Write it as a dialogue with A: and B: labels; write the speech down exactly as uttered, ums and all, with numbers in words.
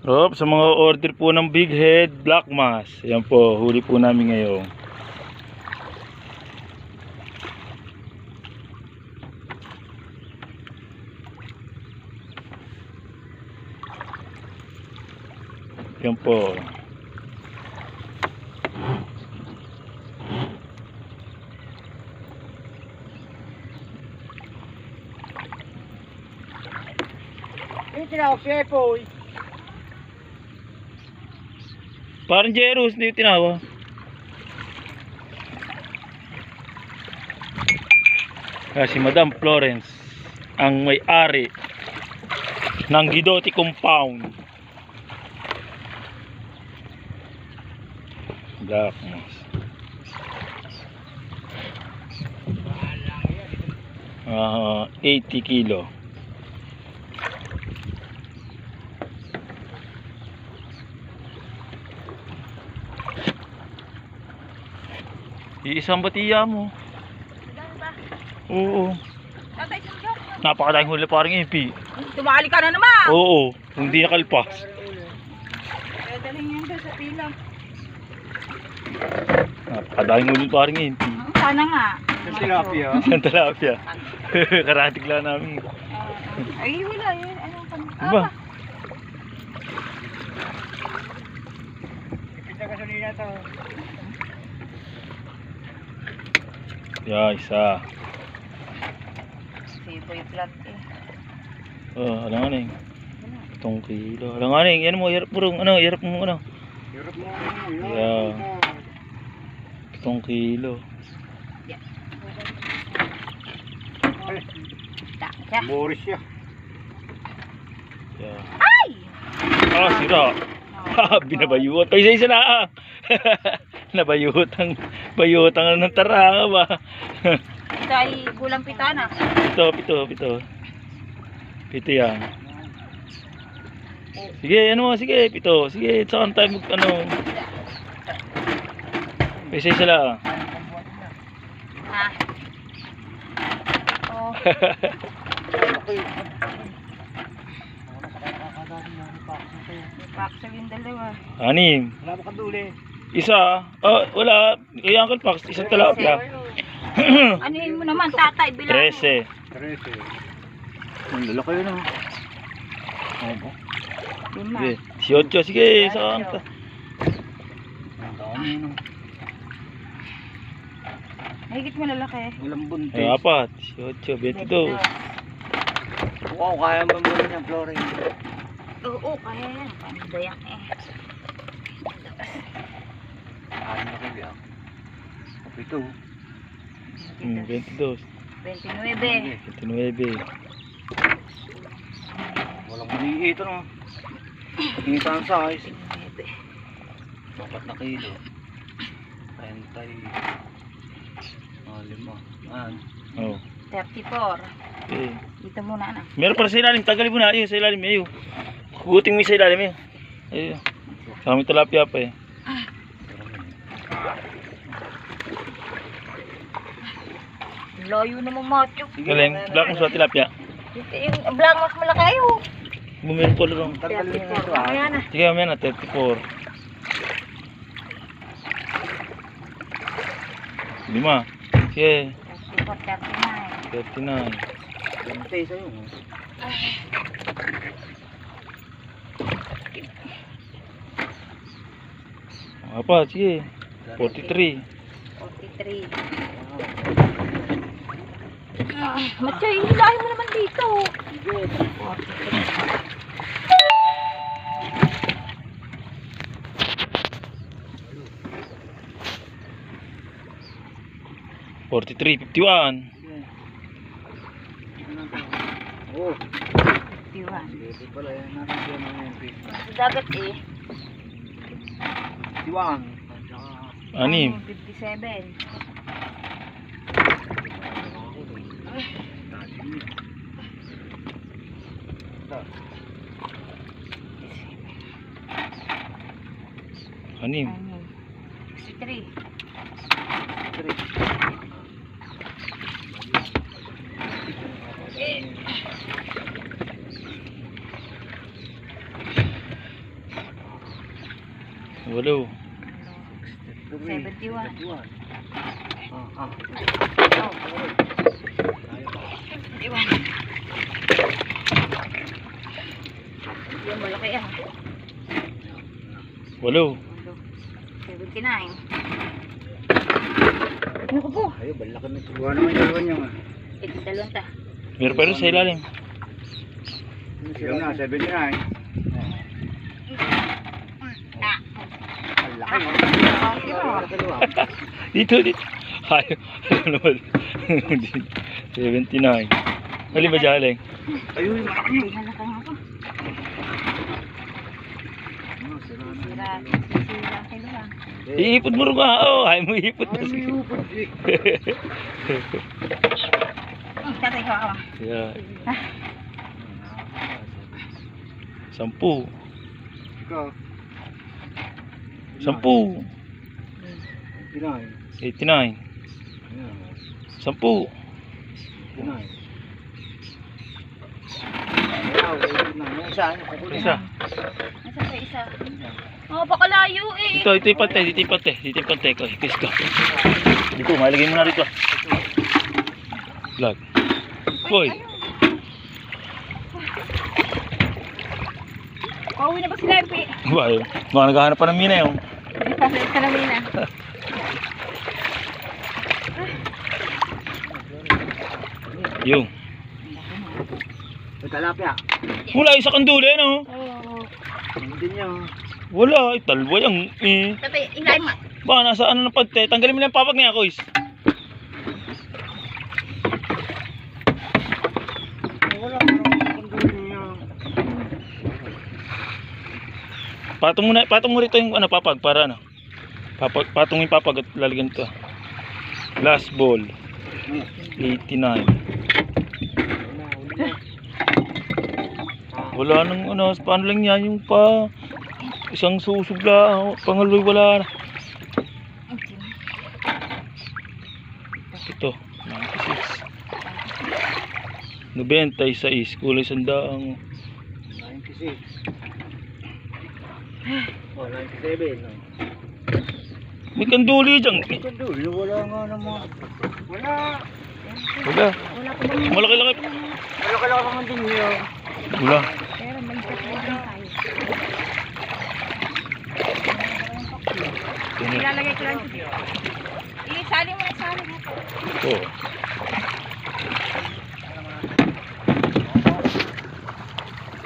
A: Rob, sa mga order po ng big head black mass, ayan po, huli po namin ngayon. Ayan po.
B: Yung tinawag si Epoy.
A: Parang Jeros, hindi yung tinawa. Ah, si Madam Florence, ang may-ari ng Guidotti Compound. Black mass. Uh, eighty kilo. Iisang batiya mo. Oo. Napakadahing huli parang impi.
C: Tumali ka na naman.
A: Oo. Hindi nakalpas.
C: Kaya dalhin yan doon sa pila.
A: Napakadahing huli parang impi.
C: Sana nga.
B: Yung tilapia.
A: Ang talapia. Karatig lang namin.
C: Uh, ay, wala yun. Anong pang...
A: Diba?
B: Ipit na gasolina to.
A: Yeah, isa.
C: Siboy flat eh.
A: Oh, alam nga na yung itong kilo. Alam nga na yung, yan mo, hirap mo rin, ano, hirap mo, ano.
B: Hirap mo.
A: Yeah. Itong kilo.
B: Ay,
C: Taka.
B: Boris siya.
A: Yeah.
C: Ay!
A: Ah, sira. Ha, binabayuot. Ay, isa-isa na ah. Nabayutang, bayutang ng taranga ba?
C: Ito ay gulang pitana.
A: Pito, pito, pito. Pito yan. Sige, ano mo, sige, pito. Sige, saan tayo mag, ano. Isa-isa lang.
C: Ha? Oh.
B: Okay.
C: Paksa yung dalawa.
A: Anim.
B: Wala mo kaduli.
A: Isa. Oh, wala. Kay Uncle Pax, isang talapia.
C: Ano yun mo naman, tatay? Bilang
A: Trese.
B: Trece. Ang lalaki yun ah. Opo.
C: Lima.
A: Sige. Siyotyo, sige. Saan ka?
B: Ang dami yun ah.
C: Mahigit mo lalaki.
B: Walang buntis.
A: Ay, apat. Siyotyo, betidós.
B: Wow, kaya mo mo rin yung Florence.
C: Oo, kaya yan. Pandayak eh.
B: Ano na kayo ah? Ito.
A: Hmm, betidós.
C: twenty-nine.
A: Twenty-nueve.
B: Walang maliit ano. Ito ang size. Dapat na kilo. Pentay. Ah, lima. Ah,
A: Oh.
C: thirty-four.
A: Okay.
C: Dito muna na.
A: Meron para sa ilalim. Tagalin mo na. Ayun, sa ilalim. Ayun. Kuguting mo sa ilalim. Ayun. Ayun. Sa aming talapia pa eh.
C: Layo naman macho.
A: Galing. Black mo sa tilapia.
C: Ito yung black mas malaki oh.
A: Bumili ko lang.
B: tagalin mo na ito
C: thirty-four.
B: ah.
C: Ayan na.
A: Sige, mamaya na. thirty-four. Lima. Sige.
C: thirty-four, thirty-nine.
A: thirty-nine.
B: Pentay sa'yo.
A: Apa? Sige. forty-three.
C: forty-three. Ah, macho, hilahin mo naman dito. forty-three.
A: forty-three. fifty-one.
B: Oh,
C: fifty-one.
B: dito pala yan natin dyan ang M P.
C: Sa dagat eh.
B: Iwan.
A: Anim.
C: fifty-seven.
A: Anim.
C: sixty-three.
A: Walo.
C: seventy-one.
B: Ah, ah.
C: seventy-one. Yan, malaki yan.
A: Walo.
C: seventy-nine. Ano ko po?
B: Ayun, balak na ito. Buwan naman yung dalawa niya.
C: Ito, dalawang ta.
A: Meron pa rin sa ilalim.
B: Yung na, seventy-nine.
C: Ah.
B: Ang laki.
A: Dito, dito. Ayaw. Ano naman? seventy-nine. Mali ba dyan, Aleng?
B: Ayun, malaki yun.
C: Halaka nga po.
B: Ano, sira na.
C: Sira. Sira ang kilo lang.
A: Iipod mo rin ka. Oo, ayaw mo iipod na.
B: Ay, may upod eh.
C: Hmm, tatay ko ako.
A: Yeah.
C: Ah.
A: Sampu.
B: Ikaw.
A: Sampu.
B: Pinay.
A: eighty-nine.
B: Ayan.
A: Sampu.
B: Pinay. Ayaw, ayun na. Yung isa, ano, kukunin.
A: Isa.
C: Nasa pa isa? Oh, baka layo eh.
A: Ito, ito yung pante. Dito yung pante. Dito yung pante. Ko, kiss ko. Dito, malagay mo na rito. Vlog. Boy.
C: Pauwi na ba sila yung pi?
A: Ba, yun. Baka naghahanap pa ng mina yun.
C: Sa namin na.
A: Yung.
B: May talapia.
A: Wala, isa kang duli, no?
C: Oo.
B: Hindi niya.
A: Wala, ay, talboy ang eh.
C: Tatay, ilay mo.
A: Baka nasa ano ng pante. Tanggalin mo na yung papag niya, Kois.
B: Wala, parang kundi niya.
A: Patong mo na, patong mo rito yung ano, papag para ano. Papag, patong yung papag at lalagyan ito. Last ball. eighty-nine. Wala nang ano, paano lang yan yung pa isang susugla, pangaloy wala na. Ito, ninety-six. ninety-six, kulay sandaang.
B: ninety-six. Oh, ninety-seven. No?
A: May kanduli dyan.
B: Kundi, wala nga naman. Wala.
A: Wala.
C: Wala ko bang...
A: Malaki-laki.
B: Wala ka lang naman din niya.
A: Wala.
C: Pero may tatlo din tayo.
A: Ganyan.
C: Ilalagay ko lang. Isali mo na isali mo.
A: Ito.